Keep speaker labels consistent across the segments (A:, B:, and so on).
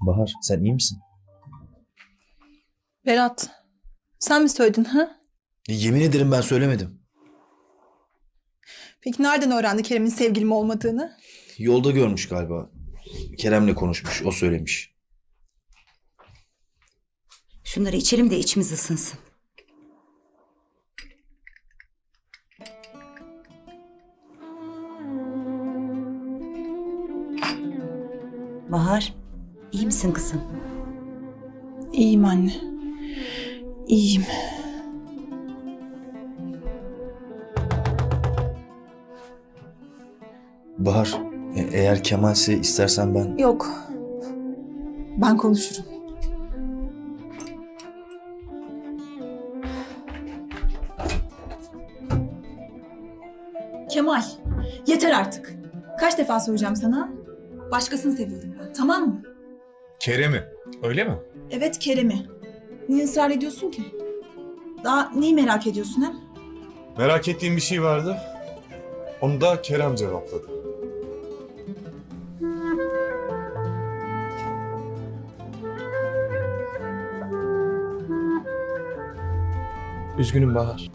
A: Bahar, sen iyi misin?
B: Berat, sen mi söyledin ha?
A: Yemin ederim ben söylemedim.
B: Peki nereden öğrendi Kerem'in sevgilim olmadığını?
A: Yolda görmüş galiba. Kerem'le konuşmuş, o söylemiş.
C: Şunları içelim de içimiz ısınsın. Bahar, iyi misin kızım?
B: İyiyim anne. İyiyim.
A: Bahar, eğer Kemal'se istersen ben...
B: Yok. Ben konuşurum. Kemal, yeter artık. Kaç defa söyleyeceğim sana? Başkasını seviyorum ben, tamam mı?
D: Kerem'i, öyle mi?
B: Evet, Kerem'i. Niye ısrar ediyorsun ki? Daha neyi merak ediyorsun hem?
D: Merak ettiğim bir şey vardı. Onu da Kerem cevapladı.
E: Üzgünüm Bahar.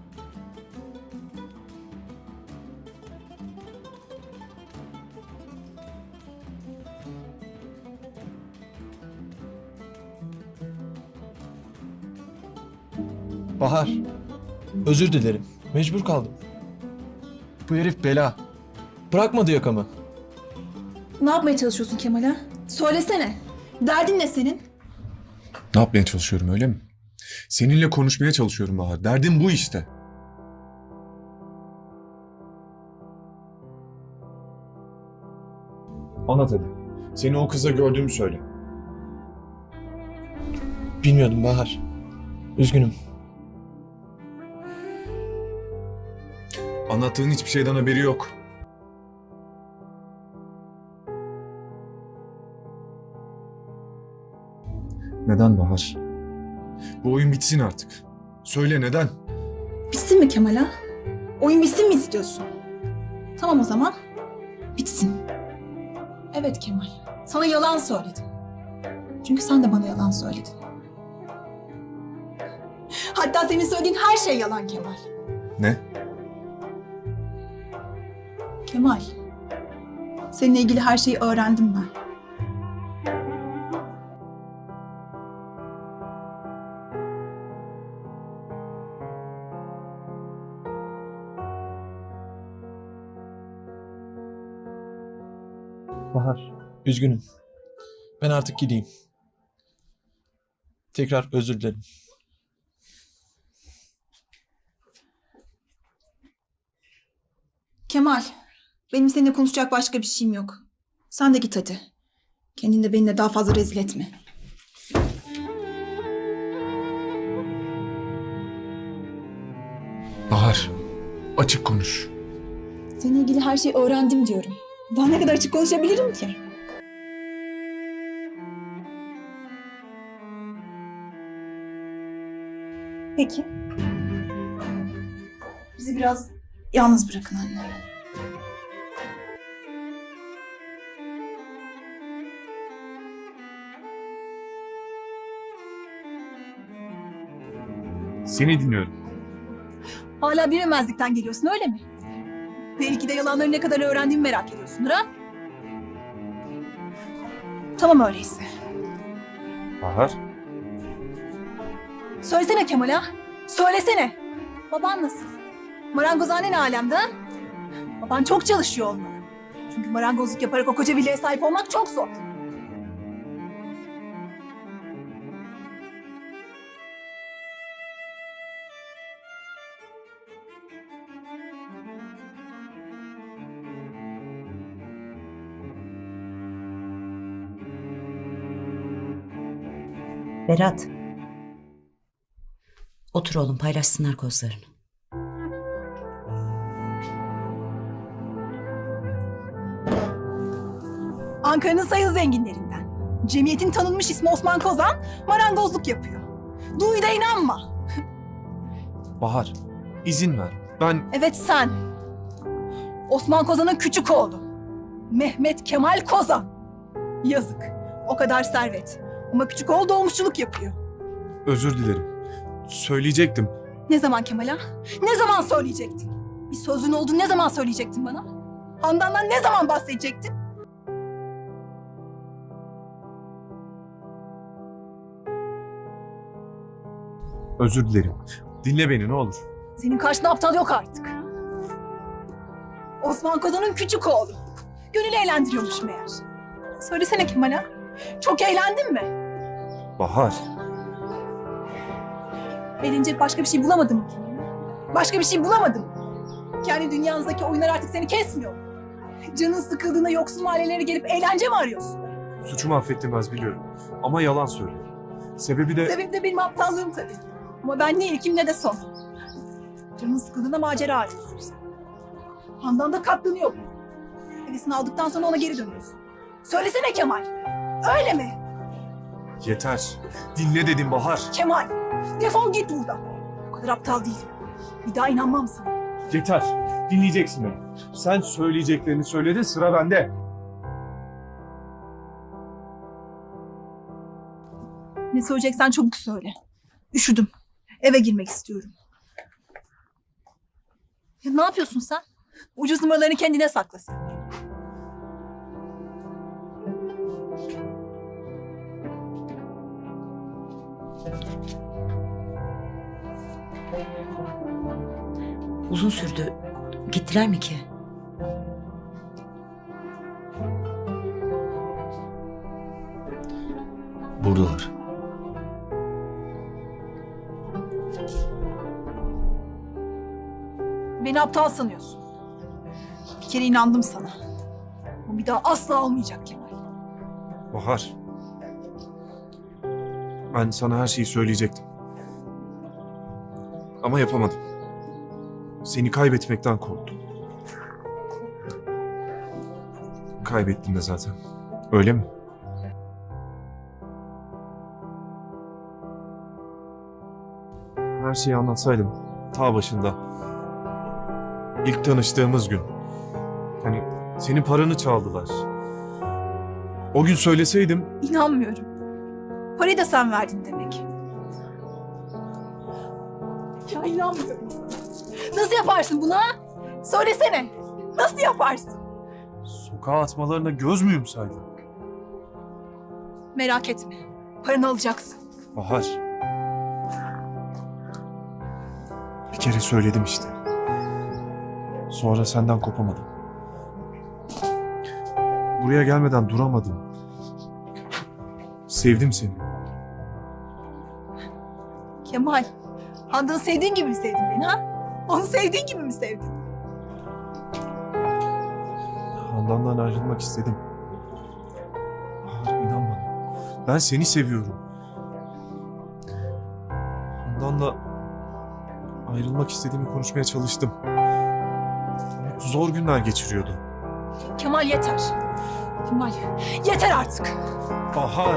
E: Bahar, özür dilerim. Mecbur kaldım. Bu herif bela. Bırakmadı yakamı.
B: Ne yapmaya çalışıyorsun Kemal'e? Söylesene. Derdin ne senin?
D: Ne yapmaya çalışıyorum, öyle mi? Seninle konuşmaya çalışıyorum Bahar. Derdim bu işte. Anlat hadi. Seni o kızla gördüğümü söyle.
E: Bilmiyordum Bahar. Üzgünüm.
D: Anlattığın hiçbir şeyden haberi yok. Neden Bahar? Bu oyun bitsin artık. Söyle neden?
B: Bitsin mi Kemal ha? Oyun bitsin mi istiyorsun? Tamam o zaman. Bitsin. Evet Kemal. Sana yalan söyledim. Çünkü sen de bana yalan söyledin. Hatta senin söylediğin her şey yalan Kemal.
D: Ne?
B: Kemal. Seninle ilgili her şeyi öğrendim ben.
E: Bahar, üzgünüm. Ben artık gideyim. Tekrar özür dilerim.
B: Kemal. Benim seninle konuşacak başka bir şeyim yok. Sen de git hadi. Kendini de benimle daha fazla rezil etme.
D: Bahar, açık konuş.
B: Seninle ilgili her şeyi öğrendim diyorum. Daha ne kadar açık konuşabilirim ki? Peki. Bizi biraz yalnız bırakın anne.
D: Seni dinliyorum.
B: Hala bilemezlikten geliyorsun öyle mi? Belki de yalanları ne kadar öğrendiğimi merak ediyorsundur ha? Tamam öyleyse.
D: Bahar?
B: Söylesene Kemal ha? Söylesene. Baban nasıl? Marangozhane ne alemde ha? Baban çok çalışıyor olmalı. Çünkü marangozluk yaparak o koca villaya sahip olmak çok zor.
C: Berat. Otur oğlum, paylaşsınlar kozlarını.
B: Ankara'nın sayılı zenginlerinden. Cemiyetin tanınmış ismi Osman Kozan marangozluk yapıyor. Duy da inanma.
E: Bahar, izin ver. Ben...
B: Evet sen. Osman Kozan'ın küçük oğlu. Mehmet Kemal Kozan. Yazık. O kadar servet. Ama küçük oğul dolmuşçuluk yapıyor.
D: Özür dilerim. Söyleyecektim.
B: Ne zaman Kemal ha? Ne zaman söyleyecektin? Bir sözün olduğunu ne zaman söyleyecektin bana? Handan'dan ne zaman bahsedecektin?
D: Özür dilerim. Dinle beni ne olur.
B: Senin karşında aptal yok artık. Osman Kozan'ın küçük oğlu. Gönül eğlendiriyormuş meğer. Söylesene Kemal ha? Çok eğlendin mi?
D: Bahar.
B: Eğlenecek başka bir şey bulamadın mı Kemal? Başka bir şey bulamadın mı? Kendi dünyanızdaki oyunlar artık seni kesmiyor. Canın sıkıldığında yoksul mahallelere gelip eğlence mi arıyorsun?
D: Suçumu affettirmez biliyorum. Ama yalan söylüyor. Sebebi de...
B: Sebebi de benim aptallığım tabii. Ama ben ne ilkim ne de son. Canın sıkıldığında macera arıyorsun sen. Handan da katlanıyor. Hevesini aldıktan sonra ona geri dönüyorsun. Söylesene Kemal. Öyle mi?
D: Yeter. Dinle dedim Bahar.
B: Kemal, defol git buradan. Bu kadar aptal değilim. Bir daha inanmam sana.
D: Yeter. Dinleyeceksin beni. Sen söyleyeceklerini söyledin, sıra bende.
B: Ne söyleyeceksen çabuk söyle. Üşüdüm. Eve girmek istiyorum. Ya ne yapıyorsun sen? Ucuz numaralarını kendine saklasın.
C: Uzun sürdü. Gittiler mi ki?
A: Buradalar.
B: Beni aptal sanıyorsun. Bir kere inandım sana. Ama bir daha asla olmayacak Kemal.
D: Bahar. Ben sana her şeyi söyleyecektim. Ama yapamadım. Seni kaybetmekten korktum. Kaybettim de zaten. Öyle mi? Her şeyi anlatsaydım ta başında. İlk tanıştığımız gün. Hani senin paranı çaldılar. O gün söyleseydim
B: İnanmıyorum. Parayı da sen verdin demek. Ya inanmıyorum sana. Nasıl yaparsın bunu ha? Söylesene. Nasıl yaparsın?
D: sokağa atmalarına göz müyüm saydın?
B: Merak etme. Paranı alacaksın.
D: Bahar. Bir kere söyledim işte. Sonra senden kopamadım. Buraya gelmeden duramadım. Sevdim seni.
B: Kemal, Handan'ı sevdiğin gibi mi sevdin beni ha? Onu sevdiğin gibi mi sevdin?
D: Handan'dan ayrılmak istedim. Bahar inan bana. Ben seni seviyorum. Handan'la ayrılmak istediğimi konuşmaya çalıştım. Zor günler geçiriyordu.
B: Kemal yeter. Kemal, yeter artık.
D: Bahar.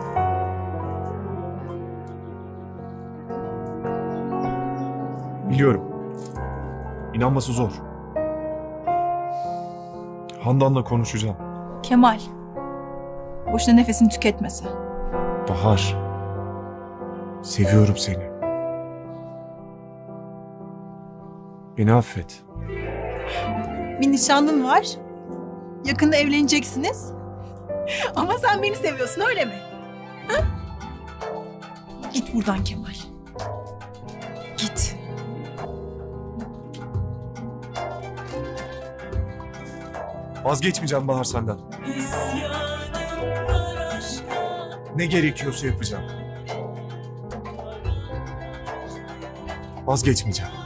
D: Biliyorum. İnanması zor. Handan'la konuşacağım.
B: Kemal, boşuna nefesini tüketmese.
D: Bahar. Seviyorum seni. Beni affet.
B: Bir nişanlın var. Yakında evleneceksiniz. Ama sen beni seviyorsun öyle mi? Ha? Git buradan Kemal. Git.
D: Vazgeçmeyeceğim Bahar senden. Ne gerekiyorsa yapacağım. Vazgeçmeyeceğim.